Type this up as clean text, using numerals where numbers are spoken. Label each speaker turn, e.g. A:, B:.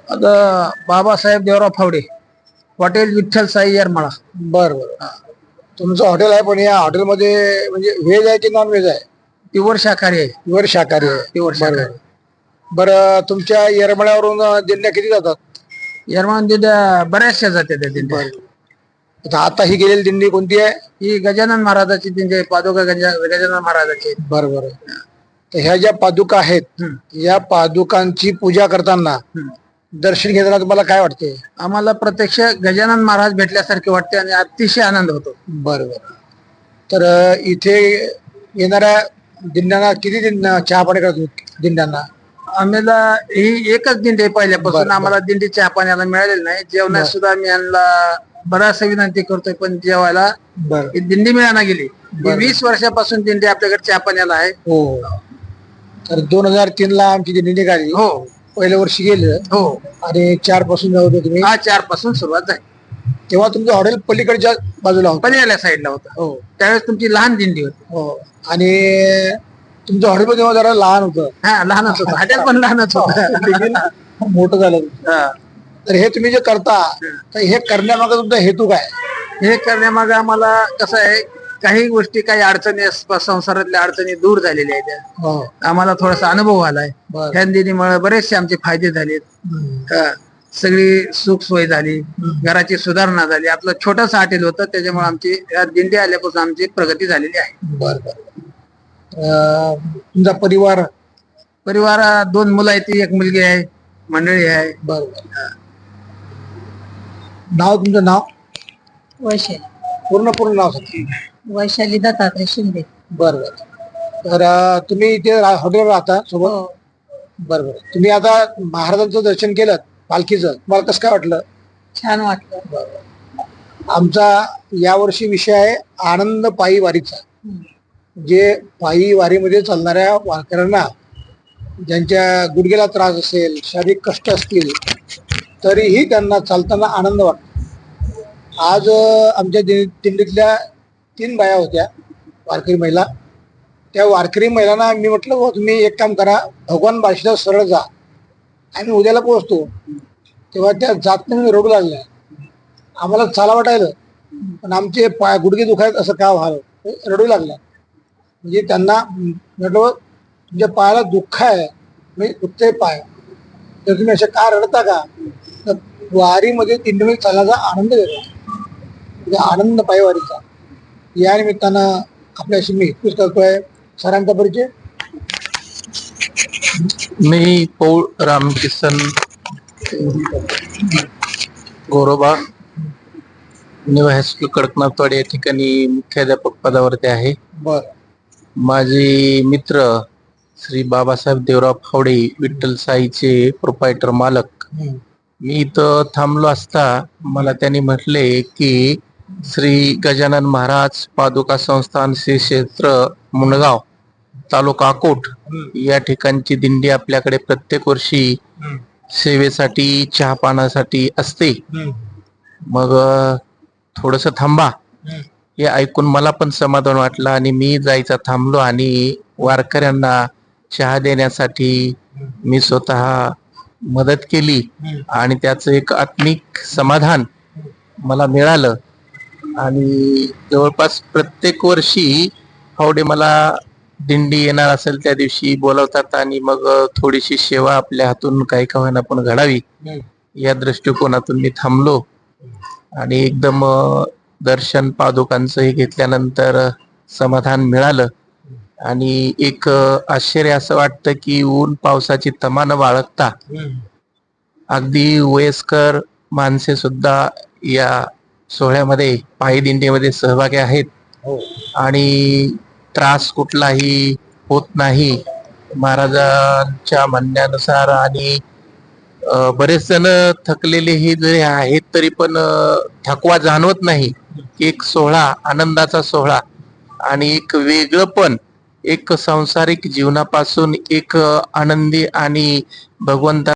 A: आता बाबासाहेब देवराव फावडे, हॉटेल विठ्ठल साई येरमाळा.
B: बर बर. तुमचं हॉटेल आहे, पण या हॉटेलमध्ये म्हणजे व्हेज आहे की नॉन व्हेज आहे?
A: प्युअर शाकाहारी आहे.
B: प्युअर शाकाहारी आहे.
A: प्युअर शाकाहारी.
B: बरं, तुमच्या येरमळ्यावरून दिंड्या किती जातात?
A: येरमाळा दिंड्या बऱ्याचशा जाते त्या दिंड्या.
B: आता ही गेलेली दिंडी कोणती आहे?
A: ही गजानन महाराजाची दिंडी आहे, पादुका गजानन महाराजाची.
B: बरोबर. तर ह्या ज्या पादुका आहेत, या पादुकांची पूजा करताना दर्शन घेताना तुम्हाला काय वाटते?
A: आम्हाला प्रत्यक्ष गजानन महाराज भेटल्यासारखे वाटते आणि अतिशय आनंद होतो.
B: बरोबर. तर इथे येणाऱ्या दिंड्यांना किती चहा पाणी करतो दिंड्यांना?
A: आम्हाला ही एकच दिंडी आहे पहिल्यापासून. आम्हाला दिंडी चहा पाण्याला मिळालेली नाही. जेवणात सुद्धा आम्ही यांना बराचसा विनंती करतोय, पण जेवायला ही दिंडी मिळाना गेली. 20 वर्षापासून दिंडी आपल्याकडे चहा पाण्याला आहे.
B: हो. तर 2003 ला आमची दिंडी निघाली.
A: हो.
B: पहिल्या वर्षी गेलं.
A: हो.
B: आणि 4 पासून जाऊ होते तुम्ही?
A: 4 पासून सुरुवात झाली.
B: तेव्हा तुमचं हॉटेल पलीकडच्या बाजूला होतं?
A: पलीकडल्या साईडला होतं. हो. त्यावेळेस तुमची लहान दिंडी होती.
B: हो. आणि तुमचं हॉटेल तेव्हा जरा लहान होतं?
A: हा, लहानच होतं. हॉटेल पण लहानच होतं.
B: मोठं झालं. तर हे तुम्ही जे करता, तर हे करण्यामागे तुमचा हेतू काय?
A: हे करण्यामागे आम्हाला कसं आहे, काही गोष्टी, काही अडचणी, संसारातल्या अडचणी दूर झालेल्या आहेत. आम्हाला थोडासा अनुभव आलाय. ह्या दिंडीमुळे बरेचसे आमचे फायदे झालेत. सगळी सुख सोय झाली, घराची सुधारणा झाली. आपलं छोटंसं हॉटेल होतं, त्याच्यामुळे आमची दिंडी आल्यापासून आमची प्रगती झालेली आहे.
B: बरं. तुमचा परिवार?
A: 2 मुलं आहेत, एक मुलगी आहे, मंडळी आहे.
B: बरोबर. नाव? तुमचं नाव?
C: वैशाली.
B: पूर्ण नाव सांगा.
C: वैशाली दत्तात्रय शिंदे.
B: बरोबर. तर तुम्ही इथे हॉटेलवर राहता सोबत? बरोबर. तुम्ही आता महाराजांचं दर्शन केलं, पालखीचं, तुम्हाला कसं काय वाटलं?
C: छान वाटलं.
B: आमचा यावर्षी विषय आहे आनंद पायी वारीचा. जे पायी वारीमध्ये चालणाऱ्या वारकऱ्यांना ज्यांच्या गुडघ्याला त्रास असेल, शारीरिक कष्ट असतील, तरीही त्यांना चालताना आनंद वाटतो. आज आमच्या दिंडीतल्या 3 बाया होत्या, वारकरी महिला. त्या वारकरी महिलांना मी म्हटलं, हो तुम्ही एक काम करा, भगवान बार्शीला सरळ जा, आम्ही उद्याला पोहोचतो. तेव्हा त्या जात नाही, रडू लागल्या. आम्हाला चाला वाटायलं, पण आमचे पाय गुडघे दुखायत, असं का व्हावं, रडू लागल्या. म्हणजे त्यांना म्हटलं, तुमच्या पायाला दुःख आहे, म्हणजे दुखते पाय, तर तुम्ही असे का रडता का? तर वारीमध्ये दिंडीमध्ये चालण्याचा आनंद वेगळा, म्हणजे आनंद पायी वारीचा. या निमित्तानं आपल्याशी मी हितपूस करतोय. सरांचा परिचय?
D: मी पौळ रामकिसन गोरोबा, न्यू हायस्कूल कडकनाथवाडी या ठिकाणी मुख्याध्यापक पदावरती आहे. माझे मित्र श्री बाबासाहेब देवराव फावडे, विठ्ठल साईचे प्रोपायटर मालक. मी इथं थांबलो असता मला त्यांनी म्हटले की श्री गजानन महाराज पादुका संस्थान श्री क्षेत्र मुंडगाव, तालुका अकोट या ठिकाणची दिंडी आपल्याकडे प्रत्येक वर्षी सेवेसाठी, चहा पाण्यासाठी असते. मग थोडस थांबा, हे ऐकून मला पण समाधान वाटलं आणि मी जायचा थांबलो आणि वारकऱ्यांना चहा देण्यासाठी मी स्वतः मदत केली आणि त्याचं एक आत्मिक समाधान मला मिळालं. आणि जवळपास प्रत्येक वर्षी फावडे मला दिंडी येणार असेल त्या दिवशी बोलवतात आणि मग थोडीशी सेवा आपल्या हातून काही का होईना पण घडावी, या दृष्टिकोनातून मी थांबलो. आणि एकदम दर्शन पादुकांचं हे घेतल्यानंतर समाधान मिळालं. आणि एक आश्चर्य असं वाटतं की ऊन पावसाची तमा न बाळगता अगदी वयस्कर माणसे सुद्धा या सोहळ्यामध्ये, पायी दिंडीमध्ये सहभागी आहेत. आणि त्रास कुठलाही होत नाही महाराजांच्या म्हणण्यानुसार. आणि बरेच जण थकलेले हे जरी आहेत तरी पण थकवा जाणवत नाही. एक सोहळा, आनंदाचा सोहळा आणि एक वेगळं पण, एक सांसारिक जीवनापासून एक आनंदी आणि भगवंता